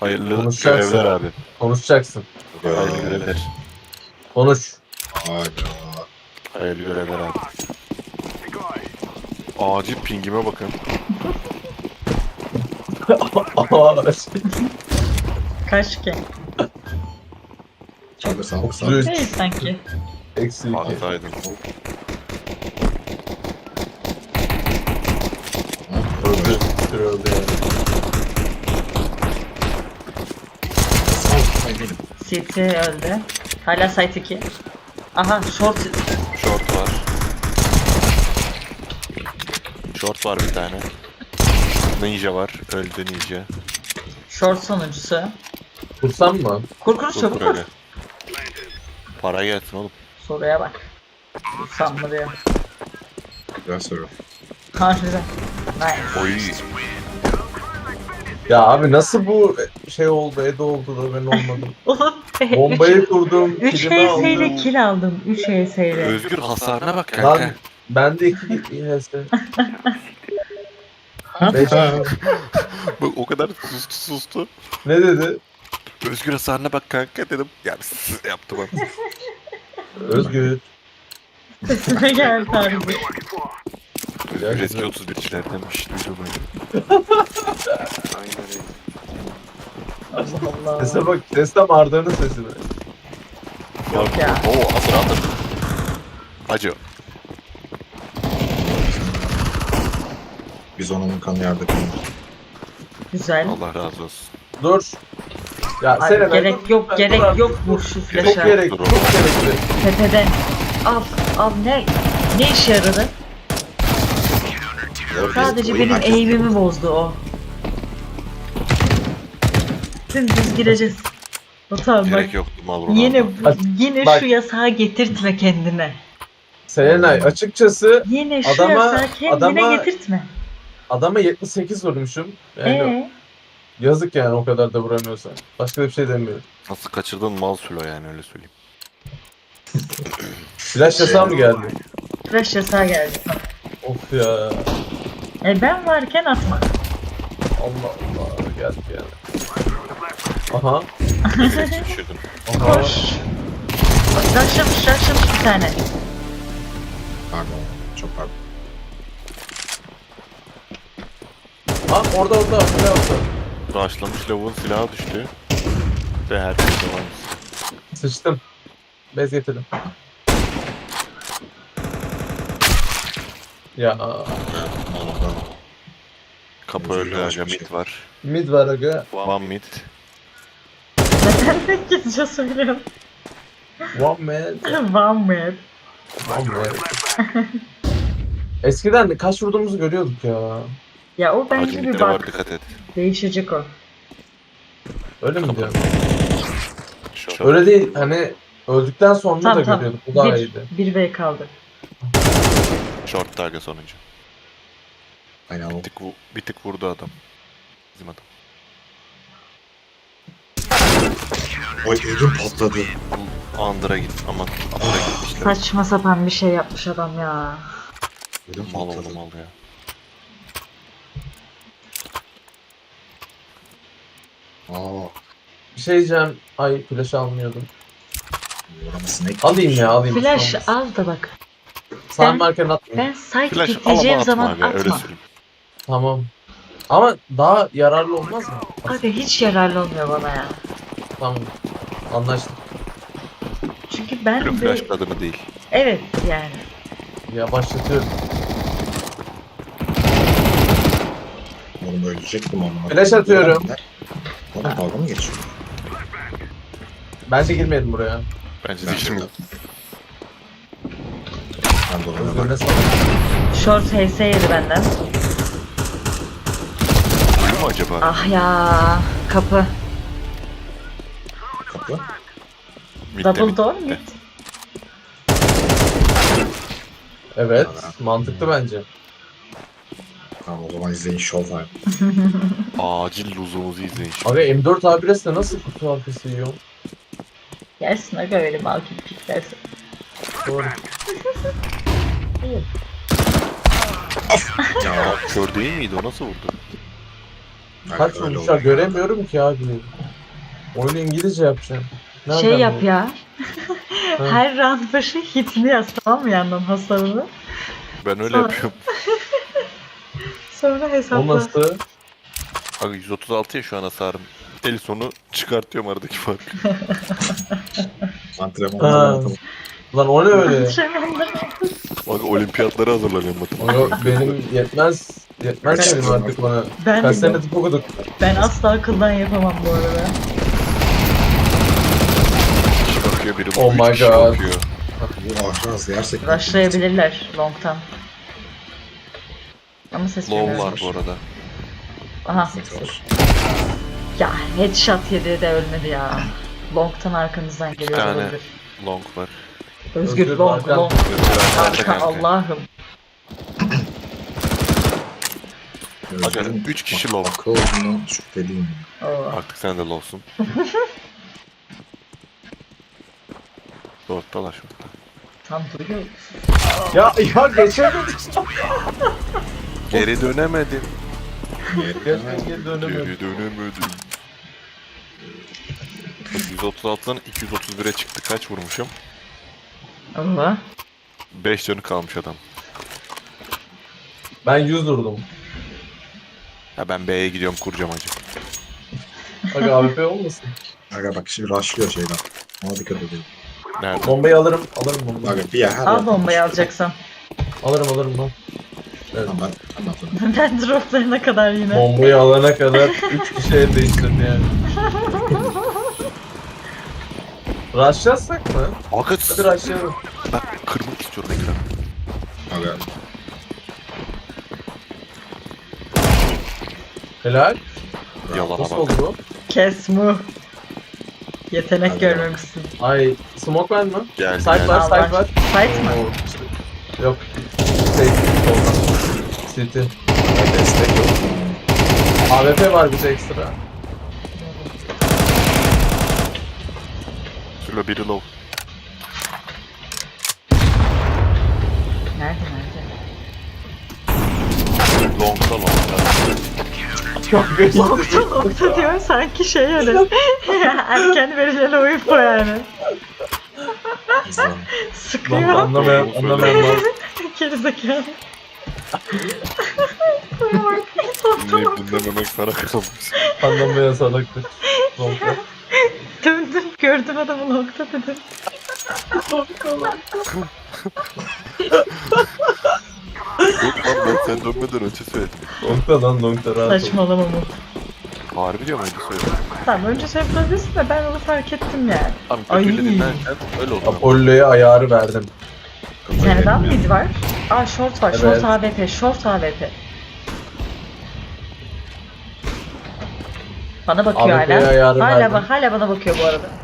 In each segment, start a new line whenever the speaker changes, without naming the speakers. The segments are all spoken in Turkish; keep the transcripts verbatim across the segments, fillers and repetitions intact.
Hayırlı
Konuşacaksın.
görevler abi.
Konuşacaksın.
Hayırlı görevler.
Konuş.
Hayda.
Hayırlı görevler abi. Acil pingime bakın.
Kaç ki?
Çok sağ ol. Sağ ol.
otuz üç.
Değil sanki.
Eksi iki.
Hataydım.
Öldü. Öldü yani.
City öldü. Hala site iki. Aha short.
Short var. Short var bir tane. Ninja var. Öldü ninja.
Short sonuncusu.
Kursam mı?
Kur kur
Dur
çabuk kur.
öyle. Para gelsin oğlum.
Soruya bak. Kursam mı diyor.
Güzel soru.
Harbiden. Nice.
Oy.
Ya abi nasıl bu şey oldu, Edo oldu da ben olmadım.
Oğlum.
Bombayı kurdum,
üç
kilimi
H S ile
aldım.
kill aldım. üç H S ile.
Özgür hasarına bak
Lan
kanka.
ben de iki H S. Beş.
Bak o kadar sustu sustu.
Ne dedi?
Özgür hasarına bak kanka dedim. Yani yaptım ben.
Özgür.
Sesime geldi harbi.
Özgür eski otuz bircilerdenmiş. Duydum öyle.
Allah Allah.
Sese bak, ses tam Arda'nın sesi mi?
Yok ya.
Oo hazır hazır. Acı.
Biz onun kanı yerde kalır.
Güzel.
Allah razı olsun.
Dur. Ya
Ay,
Seren,
gerek
dur,
yok
dur,
gerek
dur.
yok vur şu
Çok
flash'a.
gerek,
Dur
çok
oğlum.
gerekli.
Tepeden. Al al ne ne işe yaradı? Sadece benim eğimimi bozdu o. Dümdüz gireceğiz. O tamam bak.
Gerek yoktu mal Ronaldo.
Yine
Bak,
yine
bak.
şu yasağı getirtme kendine.
Serenay açıkçası
Yine şu
Adama-
yasağı kendine
adama-
getirtme.
adama yetmiş sekiz vurmuşum. Yani
Ee,
yazık yani o kadar da vuramıyorsan. Başka da bir şey demiyorum.
Nasıl kaçırdın mal sülo yani öyle söyleyeyim.
Flash yasağı mı geldi?
flash yasağı geldi.
Of ya.
E ben varken atma.
Allah Allah geldi yani. Aha.
Nefes düşürdüm.
Aha.
Koş. Bak rushlamış rushlamış bir tane.
Pardon. Çok pardon.
Ha orada orada orada orada.
Rushlamış lavuğun silahı düştü. Ve her şey devam.
Sıçtım. Bez getirdim. Ya
Anladım.
Kapı
Özgür
öldü
yavaş
aga
bir şey.
mid var.
mid var aga.
One mid.
Neden tek gizlice söylüyorum?
One man.
One man.
One man. Eskiden kaç vurduğumuzu görüyorduk ya.
Ya o
Acı
bence bir
midde var
bak.
dikkat et.
Değişecek o.
Öyle mi diyorsun?
Short.
Öyle değil hani öldükten sonra
Tamam
da
tamam.
görüyorduk. Bu daha
Bir,
iyiydi.
bir V kaldı.
Short aga sonuncu.
Aynen o.
Bir tık, vu- bir tık vurdu adam. Bizim adam.
Oy ödüm patladı.
Bu Under'a git aman. Under'a gitmişler.
Saçma sapan bir şey yapmış adam ya.
Ödüm
Mal
patladı.
oğlum mal ya.
Aa.
Bir şey diyeceğim. Ay flash almıyordum.
Orama snake.
Alayım ya alayım.
Flash
Olmaz.
al da bak.
Sağ
Ben-
marken atmayayım.
Ben site
Flash alama
kitleyeceğim
atma
zaman
aga öyle
atma.
söyleyeyim.
Tamam. Ama daha yararlı olmaz mı?
Abi hiç yararlı olmuyor bana ya.
Tamam. Anlaştık.
Çünkü ben
Böyle
de...
flash adımı değil.
Evet yani.
Ya başlatıyorum.
Oğlum ölecektim ama.
Flash atıyorum.
Oğlum dalga mı geçiyor?
Bence girmeyelim buraya.
Bence
Ben
de şimdi.
Ben de ona
Özgür ne
bak.
sanırım?
Short H S yedi benden.
Uyuyor mu acaba?
Ah ya. Kapı.
Kapı.
Mid'de,
Double
mid'de.
door mid.
Evet. Mantıklı bence.
Tamam o zaman izleyin show var.
Acil luzumuzu izleyin şimdi.
Abi M dört A bir S'te nasıl kutu arkası yiyor?
Gelsin aga öyle mal gibi piklersin.
Doğru.
Ya kör değil miydi o nasıl vurdu?
Kaç
Öyle
vurmuşlar
oluyor.
göremiyorum ki abi. Oyunu İngilizce yapacağım. Nereden
Şey yap
bu?
ya.
Ha.
Her round başı hitini yaz, tamam mı, yandan hasarını.
Ben öyle
Sonra-
yapıyorum.
Sonra
O
hesapla.
nasıl?
Abi yüz otuz altı ya şu an hasarım. El sonu çıkartıyorum aradaki farkı.
Antrenmanlar
Ha.
yapalım.
Lan o ne öyle?
Antrenmanda.
Bak olimpiyatlara hazırlanıyorum
O
matematik.
yok benim yetmez. Yetmez
Kaç
benim
yıl
artık bana.
Ben,
Kaç sene tıp okuduk.
ben asla akıldan yapamam bu arada.
Bir kişi bakıyor biri
Oh
üç
my
kişi
God.
bakıyor.
Bu ahraz gerçekten.
Rushlayabilirler long'tan. Ama ses
Low
duymuyorum.
var bu arada.
Aha. Ya headshot yedi de ölmedi ya. Long'tan arkanızdan geliyor
tane.
olabilir.
Long var.
Özgür,
Özgür,
long,
arkan.
long.
Özgür arkanda
Arka,
kanka.
Allah'ım.
Aga üç kişi low.
Akıl olduğundan şüpheliyim.
Oo.
Artık sen de low'sun. Dörttalar şu an.
Tam duyuyor.
Ya ya geçemedik.
Geri dönemedim.
Gerçekten geri dönemedim.
Geri dönemedim. yüz otuz altıdan iki yüz otuz bire çıktı. Kaç vurmuşum?
Allah.
beş canı kalmış adam.
Ben yüz durdum.
Ha ben B'ye gidiyorum kuracağım acı.
Aga A W P olmasın?
Aga bak şimdi rushlıyor şeyden. Ona dikkat edelim.
Nerede?
Bombayı alırım. Alırım bombayı.
Aga bir yer her
Al
yerden
bombayı
rushlıyor.
alacaksan.
Alırım alırım lan. Evet.
Tamam ben anladım.
Ben droplarına kadar yine.
Bombayı alana kadar üç kişi el değiştirdi yani. Rushlatsak mı?
Aga
Hadi rushlayalım.
ben kırmak istiyorum ekranı.
Aga
Helal.
Yalana
Nasıl
bak.
oldu bu?
Kes mu. Yetenek
Hadi
görmemişsin.
Ay smoke var mı?
Gel
Side
gel.
var,
Al,
side
var.
var.
Fight mı?
Oo, yok. Şey, soldan. City.
destek yok.
A W P var bize ekstra.
Şurada biri low.
Nerede nerede?
Long'da long'da.
Çok güzel.
Nokta nokta diyor sanki şey öyle. Erken verilen o info yani.
Güzel.
Sıkıyor.
Anlamayan, anlamayan var.
Gerizekalı.
Dinleyip dinlememek sana kalmış.
Anlamayan salaktır. Nokta.
Döndüm gördüm adamı nokta dedim.
Yok lan ben sen dönmeden önce söyledim.
Nokta lan nokta rahat ol.
Saçmalama mı?
Harbi diyorum önce söyledim.
Tamam önce söyleyebilirsin de ben onu fark ettim yani.
Tam
Ay.
kötüyle dinlerken öyle oldu.
Apollo'ya ayarı verdim.
Bir tane daha mıydı var? Aa short var.
Evet.
Short A W P. Short A W P. Bana bakıyor
A W P'ye
hala.
ayarı
Hala,
verdim.
bak, hala bana bakıyor bu arada.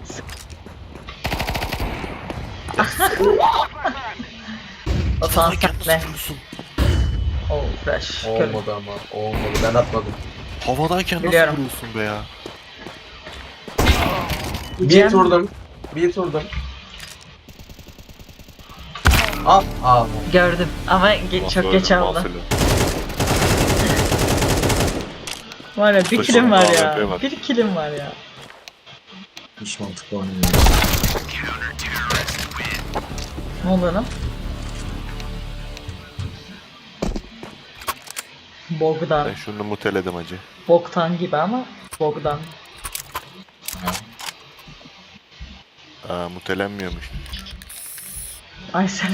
O zaman sen ne? Oh fresh. Körüm.
Olmadı ama. Olmadı. Ben atmadım.
Havadayken nasıl
Biliyorum.
vuruyorsun be ya?
Bir
Cem-
turdum. Bir turdum. Al. Al.
Gördüm ama ge- çok geç aldı.
Mahsulü.
Var ya bir
Başında
kilim var
A W
ya.
P var.
Bir kilim var ya.
Hiç mantıklı oynamıyor.
Ne oldu lan? Bogdan.
Ben şunu muteledim acı.
Bogdan gibi ama Bogdan.
Aa mutelenmiyormuş.
Ay sen.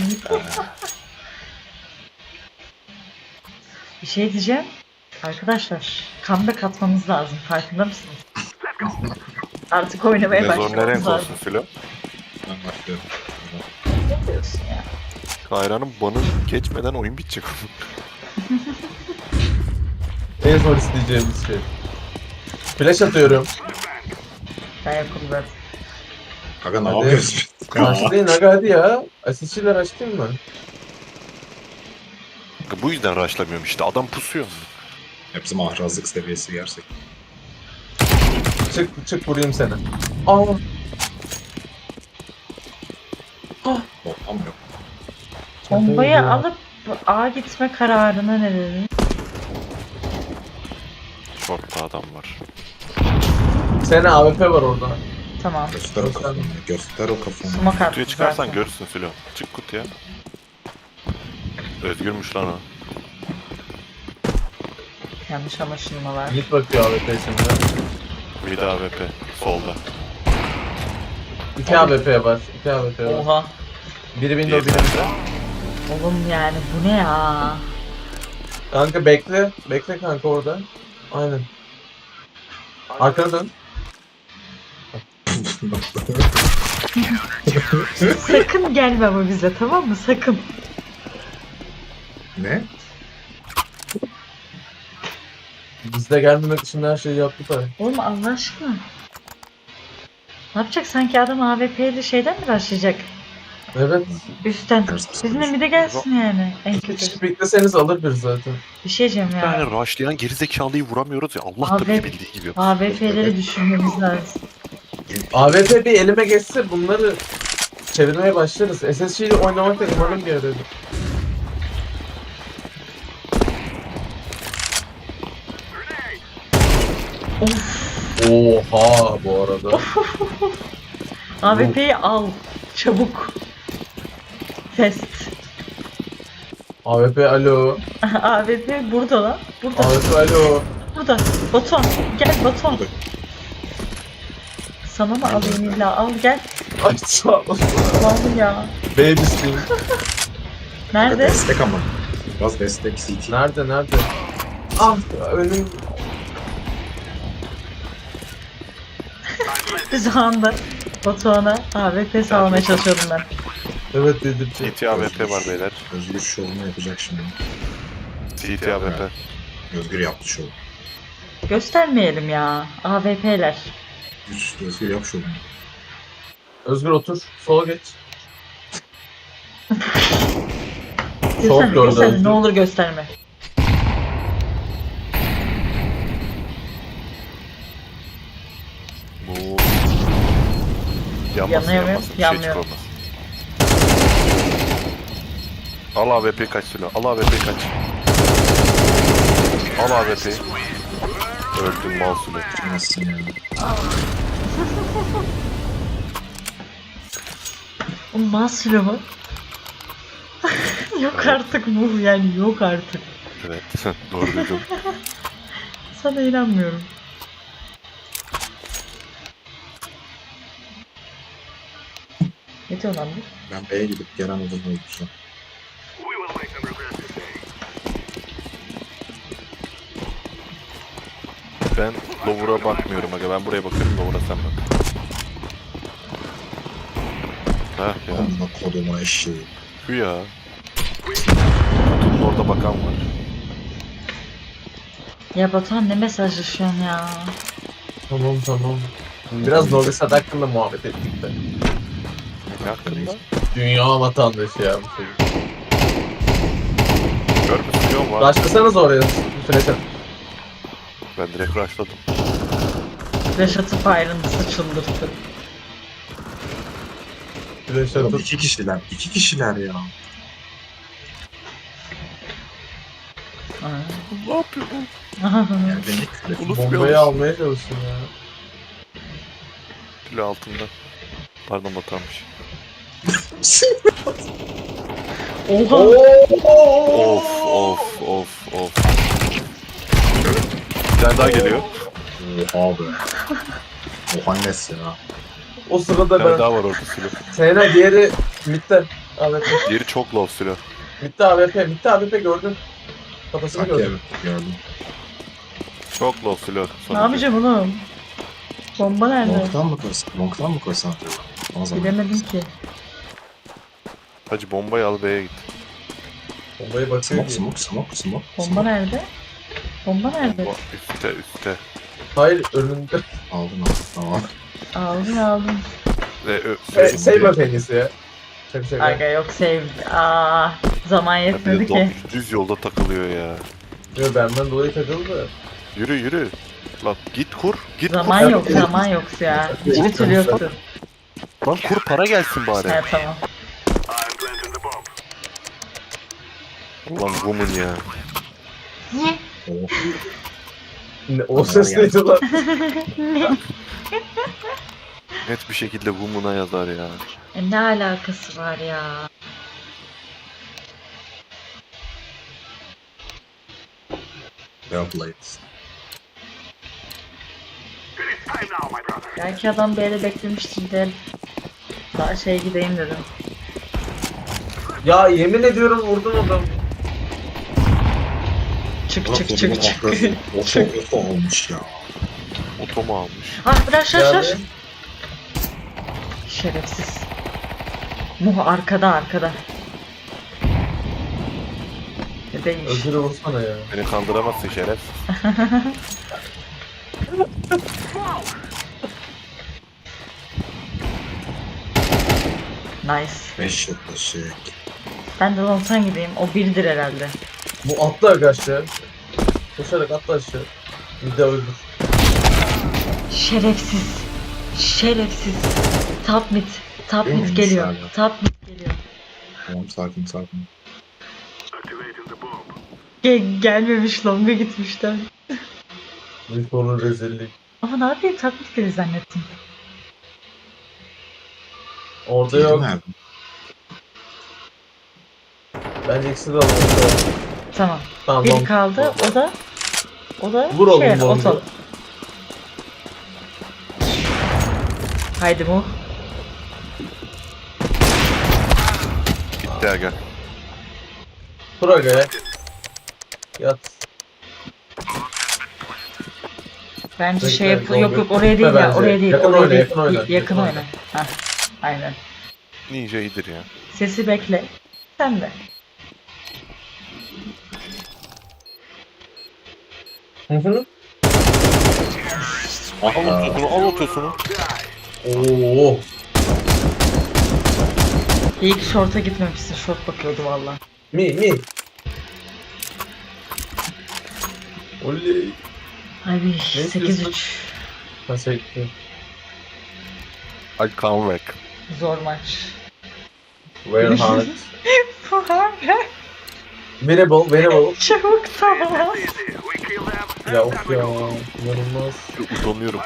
Bir şey diyeceğim. Arkadaşlar, comeback atmamız lazım. Farkında mısınız? Artık oynamaya
Ne zor ne
başlamamız
renk
lazım.
olsun Filo.
Ben başlıyorum.
Ne diyorsun ya?
Kayra'nın banı geçmeden oyun bitecek.
En son isteyeceğimiz şey. Flash atıyorum.
Ben yapalım ben.
Aga ne
Hadi.
yapıyorsun?
Açlayın aga hadi ya. Asistçiler açtın mı?
Bu yüzden rushlamıyorum işte adam pusuyor.
Hepsi mahrazlık seviyesi gerçekten.
Çık çık vurayım seni. Aa.
Bombam yok.
Bombayı
Ya.
alıp A gitme kararına ne dedin?
Short'ta adam var.
Sene A W P var orada.
Tamam.
Göster o kafanı. Göster o kafanı.
Smoke attı
Kutuya çıkarsan
zaten.
görürsün Filo. Çık kutuya. Özgürmüş lan o.
Yanlış anlaşılmalar.
Git bakıyor A W P şimdi.
Bir de A W P. Solda.
İki A W P var. İki A W P var.
Oha.
Biri window, biri window.
Oğlum yani bu ne ya?
Kanka bekle. Bekle kanka orada. Aynen. Arkana dön.
Sakın gelme ama bize, tamam mı? Sakın.
Ne?
Biz de gelmemek için her şeyi yaptık abi.
Oğlum Allah aşkına. Ne yapacak? Sanki adam A W P'li şeyden mi başlayacak?
Evet.
Üstten.
Ters
Bizimle
psikoloji.
bir de gelsin yani. En
İki
kötü.
kişi bekleseniz alır bir zaten.
Bir şey diyeceğim
Bir tane
ya.
rushlayan gerizekalıyı vuramıyoruz ya. Allah da
Abi-
bizi bildiği gibi.
A W P'leri düşünmemiz lazım.
A W P bir elime geçse bunları çevirmeye başlarız. S S G ile oynamak da umarım bir arada. Oha bu arada.
A W P'yi al. Çabuk. Test.
A W P alo.
A W P burada lan. Burada.
A W P alo.
Burada. Baton. Gel Baton.
Burada.
Sana mı alayım illa? Al gel.
Ay sağ ol.
Vallahi ya.
Baby sting.
Kanka
Nerede?
destek ama. Biraz destek C T.
Nerede nerede? Ah önüm.
Biz o anda Batuhan'a A W P sağlamaya çalışıyordum ben.
Evet dedim.
C T A W P var beyler.
Özgür şovunu yapacak şimdi.
C T A W P.
Özgür yaptı şovu.
Göstermeyelim ya. A W P'ler.
Üst Özgür yap şovunu.
Özgür otur. Sola geç. Çok
Gösterme,
gördü
gösterme.
Özgür.
Ne olur gösterme.
Bu... Yanmasın
Yanıyor mu?
yanmasın. Bir şey
Yanmıyor.
çıkmaz. Al A W P kaç Filo. Al A W P kaç. Al A W P. Öldüm mal Filo.
Çıkamazsın ya.
O Maslo mu? Yok artık bu yani, yok artık.
Evet. Doğru duydum.
Sana inanmıyorum. Ne diyor lan bu?
Ben B'ye gidip gelen adamı öldüreceğim.
Ben Lower'a bakmıyorum aga. Ben buraya bakıyorum. Lower'a sen bak. Heh ya.
Amına kodumun eşeği.
Şu ya. Kutunun orada bakan var.
Ya Batuhan ne mesajlaşıyorsun ya?
Tamam tamam. Biraz Novi Sad hakkında muhabbet ettik de.
Ne hakkında?
Dünya vatandaşı ya bu çocuk.
Görmüşsün var.
Başlasanız oraya. Flash at.
Ben direkt rushladım.
Flash atıp ayrıntısı çıldırttı.
Flash
Oğlum
atıp.
iki kişiler. iki kişiler ya.
Aa.
Ne yapıyorsun?
Yani beni küfür
Ulus
Bombayı
bir
almaya çalıştım ya.
Filo altında. Pardon batarmış.
Oha!
Of of of of. Bir tane daha geliyor.
Oha be. Oha nes ya.
O
Bir
sırada
tane
ben.
daha var orada Filo.
Sena diğeri midde. A W P.
Diğeri çok low Filo.
Midde A W P. Midde A W P gördün. Kafasını
Sanki
gördüm.
evet gördüm.
Çok low Filo.
Ne yapacağım oğlum? Bomba nerede?
Long'dan mı koysan? Long'dan mı koysan acaba? O zaman.
Bilemedim ki.
Hacı bombayı al B'ye git.
Bombayı bakıyor
Smoke
ki.
smoke smoke smoke.
Bomba nerede? Bomba nerede?
Bomba üstte üstte.
Hayır önünde.
Aldım aldım. Tamam.
Aldın aldın.
Ve ö,
E,
sürekli-
Sevme penisi ya. Şaka şaka.
Aga yok save. Aa, zaman
Ya bir
yetmedi
de
ki.
do- düz yolda takılıyor ya.
Yo, benden dolayı takıldı da.
Yürü yürü. Lan git kur. Git
Zaman
kur.
yok, zaman yok ya. Hiçbir türlü yoktu.
Lan kur para gelsin bari.
He tamam.
Ulan woman ya.
Oh.
Ne- O ses neydi lan?
Net bir şekilde Woman'a yazar ya.
E, ne alakası var ya?
Well played.
Belki adam bir yere beklemiştir de daha şey gideyim dedim.
Ya yemin ediyorum vurdum adam.
Çık
Bak
çık
oğlum,
çık çık.
akrazı. Oto oto olmuş ya.
Otomu almış.
Ah bırak şaş şaş.
Yani
Şerefsiz. Muh arkada arkada. Ne değilmiş.
Özür'ü vursana ya.
Beni kandıramazsın şerefsiz.
Nice.
Beş yaklaşık.
Ben de longtan gideyim. O birdir herhalde.
Bu atla aşağı. Koşarak atla aşağı. Bir de öldür.
Şerefsiz. Şerefsiz. Top mid. Top
Değil
mid
mi?
geliyor.
Mesela.
Top mid geliyor.
Tamam sakin sakin.
Ge- gelmemiş longa gitmişler.
Büyük onun rezillik.
Ama ne yapayım top mid geliyor zannettim.
Orada
Değil
yok.
mi?
Bence ikisi de alalım.
Tamam.
Tamam.
Biri
long.
kaldı. O da o da
Vur oğlum
şey,
longu.
oto. Haydi mu.
Bitti aga.
Kur agaya. Yat.
Bence
Bekle,
şey yapıl
long
yok yok
bir-
oraya değil
Bence.
ya oraya değil.
Yakın
oraya
oyna,
değil.
yakın oyna,
Y- yakın
yakın
oyna.
oyna.
Hah. Aynen.
Ninja iyidir ya.
Sesi bekle. Sen de.
Hı hı.
Ah
Al
ya.
otosunu, al otosunu.
Oo.
İyi ki short'a gitmemişsin. Short bakıyordu valla.
Mi mi. Oley.
Abi
istiyorsun?
sekiz üç.
Nasıl gitti?
I come back.
Zor maç.
Where hard.
Abi
Winnable, winnable.
çabuk tamam.
Ya of ya. İnanılmaz.
Utanıyorum.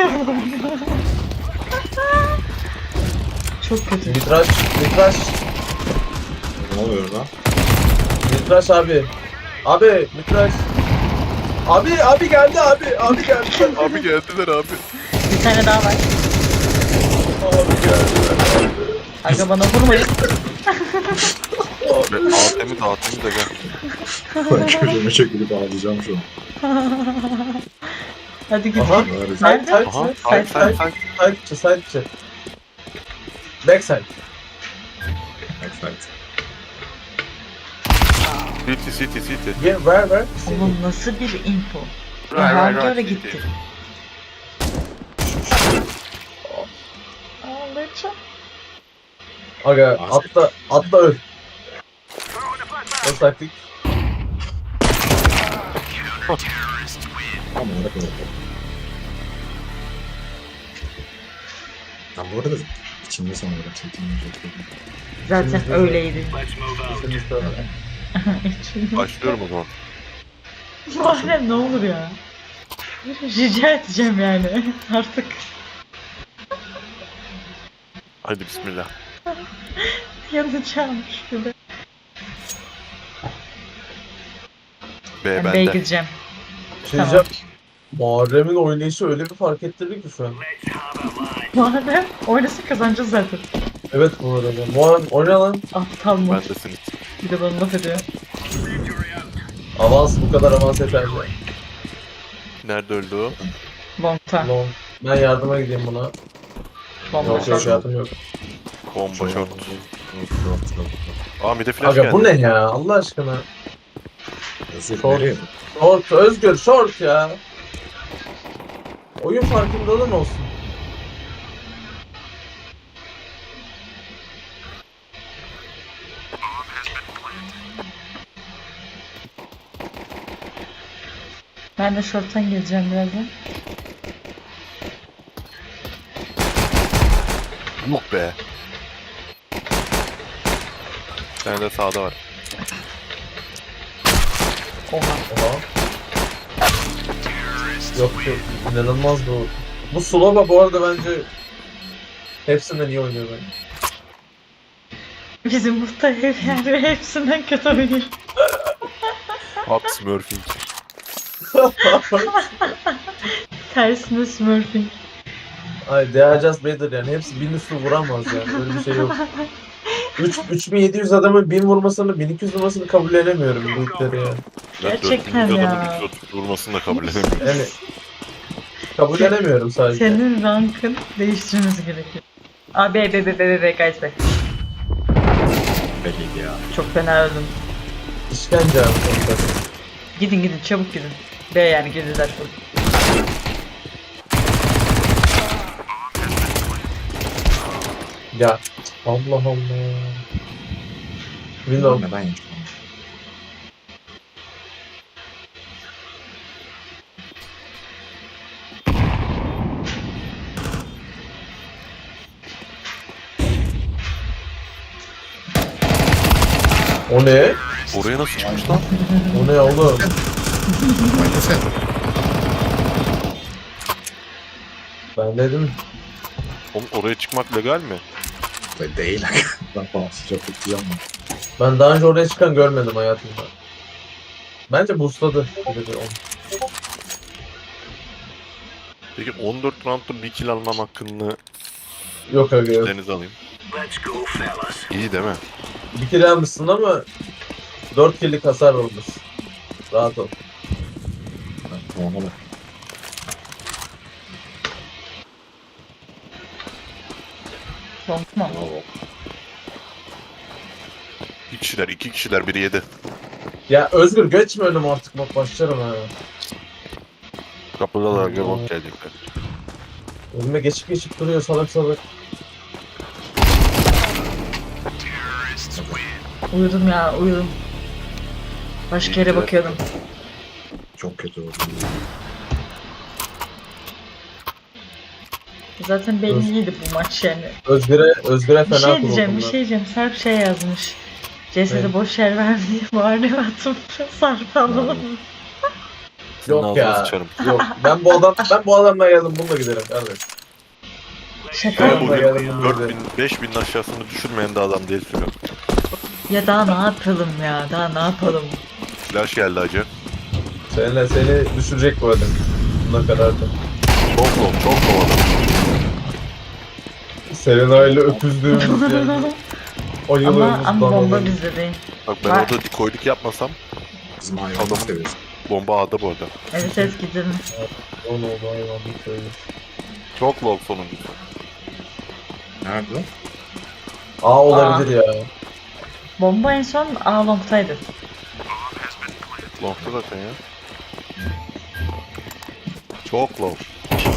Çok kötü.
Mitraş, mitraş.
Ne oluyor lan?
Mitraş abi. Abi, mitraş. Abi, abi geldi abi. Abi geldi.
Abi geldiler abi.
Bir tane daha var.
Abi geldi.
Aga bana vurmayın.
Atemi de atemi de gel.
Ben köşeme çekilip ağlayacağım şu an.
Hadi git.
Aha.
git.
Side,
Nerede?
side,
Aha.
side,
Sen
side,
sen
side,
sen.
side içi, side içi. Backside.
Backside.
City city city.
Where, where, where?
Oğlum nasıl bir info?
Right,
Hangi
right,
ara
right,
gitti?
city.
Ağlayacağım.
Aga, atla, atla öl. O taktik.
Tam olarak öyle. Ben bu arada içimde sanırım çekimini çektim.
Zaten
Şimdi-
öyleydi.
İkimiz de öyle.
Başlıyorum o zaman.
Muharrem ne olur ya. Rica edeceğim yani artık.
Haydi bismillah.
Yanacağım şurada.
B
Ben B'ye
bende.
gideceğim.
Şey diyeceğim. Muharrem'in oynayışı öyle bir fark ettirdi ki şu an.
Muharrem oynasa kazanacağız zaten.
Evet bu arada. Muharrem oyna lan.
Aptal mı?
Bendesin.
Bir de bana laf ediyor.
Avans bu kadar avans yeterli.
Nerede öldü o?
Longta.
Long. Ben yardıma gideyim buna.
Bomba
Yok yok
short.
yardım yok.
Bomba short.
Yok, yok, yok.
Aa bir de flash
Aga
geldi.
bu ne ya Allah aşkına.
Özür
Short.
nereye?
Short Özgür short ya. Oyun farkındalığın olsun.
Ben de short'tan geleceğim birazdan.
Yok be. Bir tane de sağda var.
Oha.
Oha. Yok yok inanılmaz bu. Bu Slova bu arada bence hepsinden iyi oynuyor bence.
Bizim muhtemelen yani hepsinden kötü oynuyor.
Hot smurfing.
Tersine smurfing.
Ay they are just better yani hepsi bin üstü vuramaz yani öyle bir şey yok. üç, üç bin yedi yüz adamın bin vurmasını bin iki yüz vurmasını kabul edemiyorum büyükleri yani.
Gerçekten
dört bin
ya.
adamın üç yüz otuz vurmasını da kabul edemiyorum.
Yani kabul edemiyorum sadece.
Senin rankın değiştirmesi gerekiyor. Abi be be be be be guys be.
Belliydi ya.
Çok fena öldüm.
İşkence abi sonuçta.
Gidin gidin çabuk gidin. B yani girdiler çok.
Ya Allah Allah. Bilmiyorum.
Neden yemiş onu?
O ne?
Oraya nasıl çıkmış lan?
O ne oğlum?
Oynasana.
Ben dedim.
Oğlum oraya çıkmak legal mi?
Böyle değil. Ben falan sıcak tutacağım ben.
Ben daha önce oraya çıkan görmedim hayatımda. Bence boostladı. Bir de onu.
Peki on dört roundda bir kill almam hakkını
Yok aga yok.
denize alayım. İyi değil mi?
Bir kill almışsın ama dört kill'lik hasar olmuş. Rahat ol.
Ben ona bak.
Tamam.
Bravo.
İki kişiler, iki kişiler, biri yedi.
Ya Özgür geçme önüme artık bak başlarım ha.
Kapıdalar
Hmm.
ve bok gelecekler.
Önüme geçip geçip duruyor salak salak.
Uyudum ya uyudum. Başka yere
İyi de-
bakıyordum.
Çok kötü oldu.
Zaten belliydi bu maç yani.
Özgür'e Özgür'e
Bir
fena
şey diyeceğim, bir
kuruldum
şey diyeceğim. Sarp şey yazmış. C S'de
Ne?
boş yer verdi diye bağırıyor atıp Sarp alalım.
Senin
Yok
ağzına
ya.
sıçarım.
Yok ben bu adam ben bu adamla geldim bununla giderim kardeş.
Şaka
Ben
Ben
bu-
mı?
bugün
geldim, bunu
dört
dedim.
bin, beş binin aşağısını düşürmeyen de adam değil sürüyor.
Ya daha ne yapalım ya? Daha ne yapalım?
Flash geldi acı.
Seninle seni düşürecek bu adam. Buna kadar da.
Çok low, çok low adam.
Serena ile öpüzdüğümüz yani.
ama
Ayılığımız
ama bomba
bağlı.
bizde değil.
Bak ben
Var.
orada dikoyluk yapmasam
Bizim hayvanı
Adamın-
seviyoruz.
bomba A'da bu arada.
Evet evet gidelim.
O ne oldu hayvan bir söyle.
Çok low sonuncusu.
Nerede?
Aa olabilir ya.
Bomba en son A long'taydı.
Long'da zaten ya. Çok low.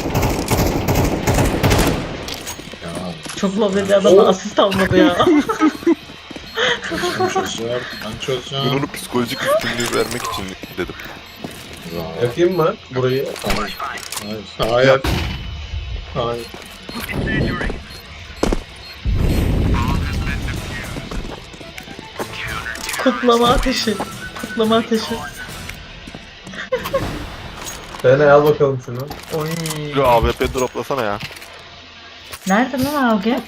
Ya.
Çok low dedi adamla
Oh.
asist almadı ya.
Ben çözeceğim. Ben
Ben
çözeceğim.
onu psikolojik üstünlüğü vermek için dedim.
Bravo.
Yakayım mı burayı?
Hayır. Hayır. Hayır. Hayır.
Kutlama ateşi. Kutlama ateşi.
Serena al bakalım şunu.
Oy.
Bir A W P droplasana ya.
Nerede lan Avge?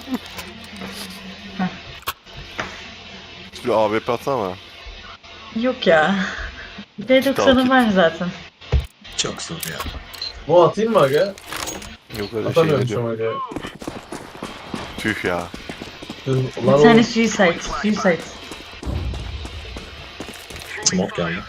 Bir A W P atsana bana.
Yok ya. D doksan'ım var zaten.
Çok zor ya.
Bu atayım mı aga?
Yok öyle şey ne
Atamıyorum
diyor.
şu an aga.
Tüh ya.
Dur,
Bir
Lan
tane
oğlum.
suicide. Suicide.
Smoke geldi.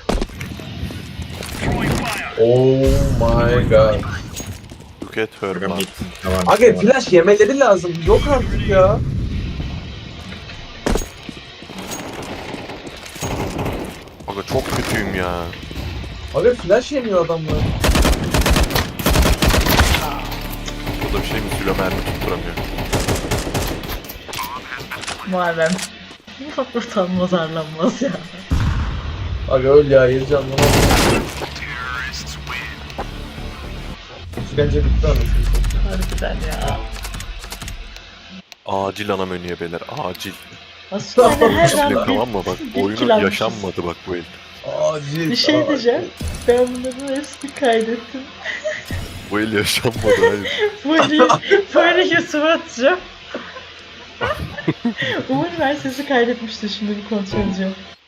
Oh my god.
Look at her
Bakalım
man.
ilk ne varmış,
Aga
ne var.
flash yemeleri lazım. Yok artık ya.
Aga çok kötüyüm ya.
Aga flash yemiyor adamlar.
O da bir şey mi? Silo mermi tutturamıyor.
Muharrem. Utanmaz arlanmaz ya.
Aga öl ya yedi canlı. İşkence bitti anasını.
Harbiden ya.
Acil ana menüye beyler. Acil.
Aslında hani her
Kesinlikle
zaman
tamam mı? Bak
bir
oyunu
kill almışız.
yaşanmadı bak bu el.
Acil.
bir şey
acil.
diyeceğim. Ben bunların hepsini kaydettim.
Bu el yaşanmadı hayır.
Böyle, böyle YouTube'a atacağım. Umarım ben sesi kaydetmiştir. Şimdi bir kontrol edeceğim.